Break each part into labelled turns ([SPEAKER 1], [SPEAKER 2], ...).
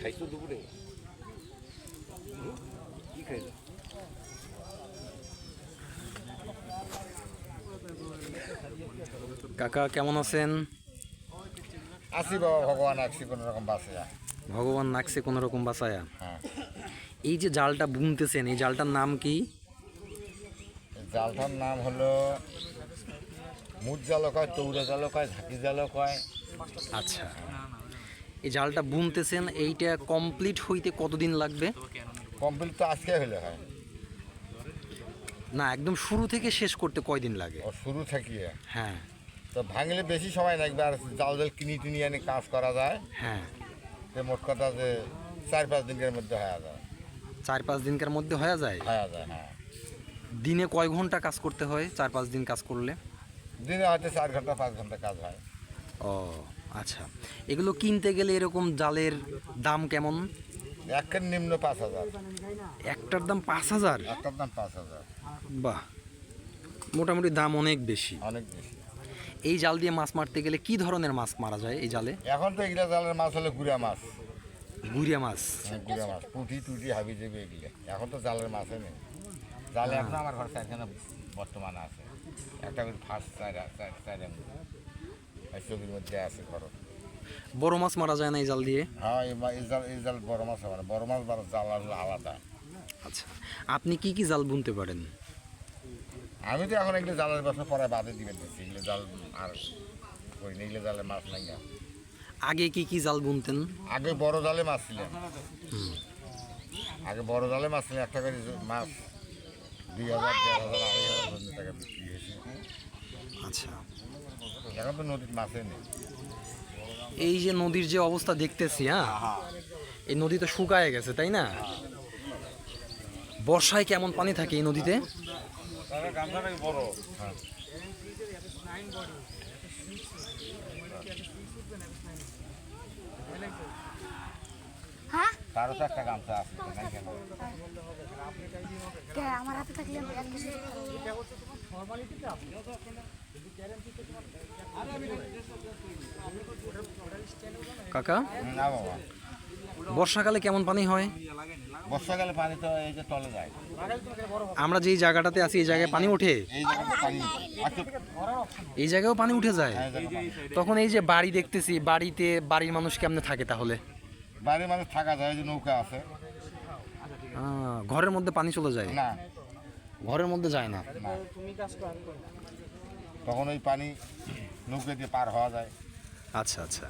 [SPEAKER 1] খাইছো দুপুরে? কি খাইছো?
[SPEAKER 2] কাকা কেমন আছেন?
[SPEAKER 3] আছি বাবা, ভগবান আছি কোনো রকম বাঁচিয়া।
[SPEAKER 2] ভগবান নাকছে কোনো রকম বাঁচায়া।
[SPEAKER 3] হ্যাঁ,
[SPEAKER 2] এই যে জালটা বুনতেছেন, এই জালটার নাম কি?
[SPEAKER 3] এই জালটার নাম হলো মুদ জালও কয়, তৌরা জালও কয়, ঝাঁকি জালও কয়।
[SPEAKER 2] আচ্ছা, এই জালটা বুনতেছেন, এইটা কমপ্লিট হইতে কতদিন লাগবে?
[SPEAKER 3] কমপ্লিট তো আজকে হলে হয়।
[SPEAKER 2] না, একদম শুরু থেকে শেষ করতে কয়দিন লাগে?
[SPEAKER 3] ও শুরু থাকিয়ে
[SPEAKER 2] হ্যাঁ
[SPEAKER 3] তো ভাঙলে বেশি সময় লাগবে, আর জাল জাল কিনি টিনি আনি কাজ করা যায়।
[SPEAKER 2] হ্যাঁ,
[SPEAKER 3] যে মোট কথা যে 4-5 দিনের মধ্যে হয়ে যায়।
[SPEAKER 2] 4-5 দিনকার মধ্যে হয়ে যায়।
[SPEAKER 3] হয়ে যায়, হ্যাঁ।
[SPEAKER 2] দিনে কয় ঘন্টা কাজ করতে হয় 4-5 দিন কাজ করলে?
[SPEAKER 3] দিনে হয়তো 4 ঘন্টা 5 ঘন্টা কাজ হয়।
[SPEAKER 2] ও আচ্ছা, এগুলো কিনতে গেলে এরকম জালের দাম কেমন?
[SPEAKER 3] একের নিম্ন 5,000,
[SPEAKER 2] একটার দাম 5,000?
[SPEAKER 3] একটার দাম 5,000।
[SPEAKER 2] বাহ, মোটামুটি দাম অনেক বেশি।
[SPEAKER 3] অনেক বেশি।
[SPEAKER 2] এই জাল দিয়ে মাছ মারতে গেলে কি ধরনের মাছ মারা যায় এই জালে?
[SPEAKER 3] এখন তো এগুলা জালের মাছ হলো গুড়া মাছ।
[SPEAKER 2] গুড়িয়া মাছ?
[SPEAKER 3] গুড়া মাছ, পুঁটি টুটি হাবি যাবে এগুলো। এখন তো জালের মাছই নেই। জালে এখন আমার ঘর এখানে বর্তমানে আছে একটা করে ফার্স্ট ছবির মধ্যে আছে ঘর।
[SPEAKER 2] বড় মাছ মারা যায় না এই জাল দিয়ে?
[SPEAKER 3] হ্যাঁ, এই জাল বড় মাছ হবে না, বড় মাছ বড় জাল আলাদা।
[SPEAKER 2] আচ্ছা, আপনি কি কি জাল বুনতে পারেন?
[SPEAKER 3] আমি তো এখন এগুলো জালের ব্যবসা পরে বাদে দিবেন দিচ্ছি, এগুলো জাল আর করি না, এগুলো জালে মাছ নাই না।
[SPEAKER 2] আগে কি কি জাল বুনতেন?
[SPEAKER 3] আগে বড় জালে মাছ ছিলেন, আগে বড় জালে মাছ ছিলেন, একটা করে মাছ 2,000, 1,500, 2,500 টাকা বিক্রি হয়েছে।
[SPEAKER 2] আচ্ছা,
[SPEAKER 3] এখন তো নদীর মাছই নেই।
[SPEAKER 2] এই যে নদীর যে অবস্থা দেখতেছি, হ্যাঁ, এই নদী তো শুকায় গেছে তাই না? বর্ষায় কেমন পানি থাকে এই নদীতে?
[SPEAKER 3] বড়, হ্যাঁ। তারও তো একটা গামছা আছে না কেন?
[SPEAKER 4] আমার হাতে থাকলে
[SPEAKER 2] কাকা,
[SPEAKER 3] না বাবা,
[SPEAKER 2] বর্ষাকালে কেমন পানি হয়?
[SPEAKER 3] বর্ষাকালে পানি তো এই যে তলে যায়।
[SPEAKER 2] আমরা যেই জায়গাটাতে আছি এই জায়গায় পানি ওঠে?
[SPEAKER 3] এই জায়গাতে পানি আচ্ছা,
[SPEAKER 2] এই জায়গায়ও পানি উঠে যায়?
[SPEAKER 3] এই জায়গাতে পানি।
[SPEAKER 2] তখন এই যে বাড়ি দেখতেছি, বাড়িতে বাড়ির মানুষ কেমনে থাকে তাহলে?
[SPEAKER 3] বাইরে মানুষ থাকা যায়, যে নৌকা আছে।
[SPEAKER 2] ঘরের মধ্যে পানি চলে যায়?
[SPEAKER 3] না,
[SPEAKER 2] ঘরের মধ্যে যায় না।
[SPEAKER 3] না, তখন ওই পানি নৌকা দিয়ে পার হওয়া যায়।
[SPEAKER 2] আচ্ছা আচ্ছা,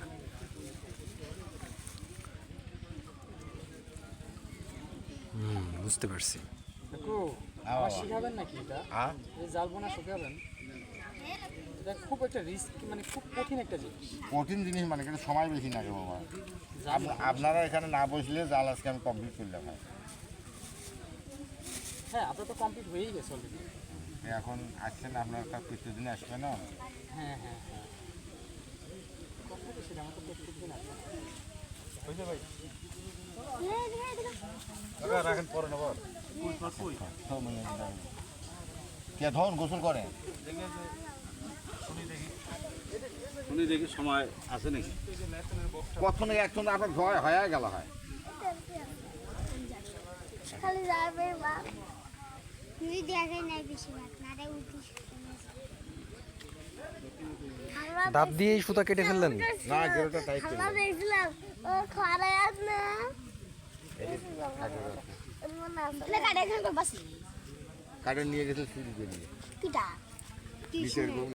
[SPEAKER 2] বুঝতে পারছি।
[SPEAKER 3] হ্যাঁ বাবা।
[SPEAKER 5] শিখাবেন নাকি এটা?
[SPEAKER 3] হ্যাঁ,
[SPEAKER 5] এই জাল বোনা শিখাবেন? এটা খুব একটা রিস্ক, মানে খুব কঠিন একটা জিনিস।
[SPEAKER 3] কঠিন জিনিস মানে কিন্তু সময় বেশি লাগে বাবা। আপনারা এখানে না বসলে জাল আজকে আমি কমপ্লিট করলাম।
[SPEAKER 5] হ্যাঁ, আপনার তো কমপ্লিট হয়েই গেছে অলরেডি।
[SPEAKER 3] এখন আসছেন, আপনার প্রত্যেকদিন আসবে না?
[SPEAKER 5] হ্যাঁ হ্যাঁ হ্যাঁ, কথা তো সেটা, আমার তো প্রত্যেকদিন আসবে।
[SPEAKER 3] রাখেন পরে নেব। কে ধরুন গোসল করে?
[SPEAKER 1] শুনি দেখি সময় আছে নাকি?
[SPEAKER 3] কখন একজন আপনার ভয় হয়ে গেল হয়।
[SPEAKER 4] খালি যাবে বা তুই দেখে নাই বেশি ভাগ না রে উঠিস
[SPEAKER 2] দাঁত দিয়ে সুতা কেটে ফেললেন?
[SPEAKER 3] না, গেরোটা টাইট করে
[SPEAKER 4] আমরা দেখলাম ও খরা আছে না না কাটে এখানে বাস
[SPEAKER 3] কাটে নিয়ে গেছে চুরি করিয়ে।
[SPEAKER 4] কিটা
[SPEAKER 3] নিচের